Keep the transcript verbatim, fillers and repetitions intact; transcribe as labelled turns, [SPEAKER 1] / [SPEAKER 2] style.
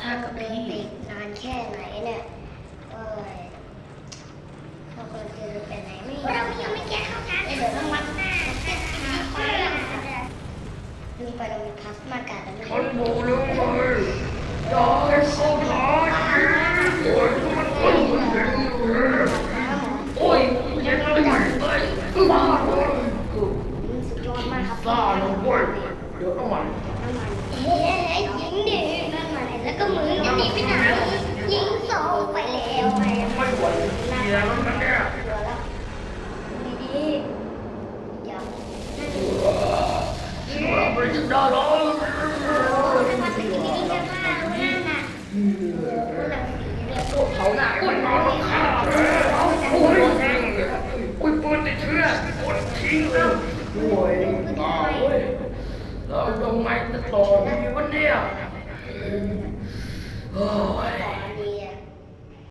[SPEAKER 1] ากับพี่
[SPEAKER 2] นานแค่ไหนเนี่ยเออเราควรจะไปไหนไม่เรายังไม่แก้เข้ากันเดี๋ยวต้องวัดหน้าแก้ขาไปลืมไปเรามีพลาสมาการ์ดแล้ว
[SPEAKER 3] ฉันบอกแล้วไงอย่าให้เข้าทางโอ้ยมันมันมันเห็นอยู่เลยโอ้ยยังไงเอ้ยบ้าเลย
[SPEAKER 2] สุดยอดมากครับ
[SPEAKER 3] ซ่าเลยเว้ยเดี๋ยวน้ำมัน
[SPEAKER 2] เฮ้ยยิงดินั่นมาแล้วก็มือจะหนีไปไหนยิงสองไปแล้วไป
[SPEAKER 3] ไม่ไหวเสียแล้วนะเนี่ย
[SPEAKER 2] ดีๆเดี๋ยว
[SPEAKER 3] เราไปจะได้แล้ว
[SPEAKER 2] ถ้ามันเป็นอย่างนี้จะมานั่นน่ะ
[SPEAKER 3] เขาหน้ามันนอนข้าเลยโอ้ยแม่งเลยโอ้ยปืนติดเชื้อกดทิ้งเลยโอ้ยตายเว้ยเราทำไมจะต่อดีวะเนี่ยเฮ้ย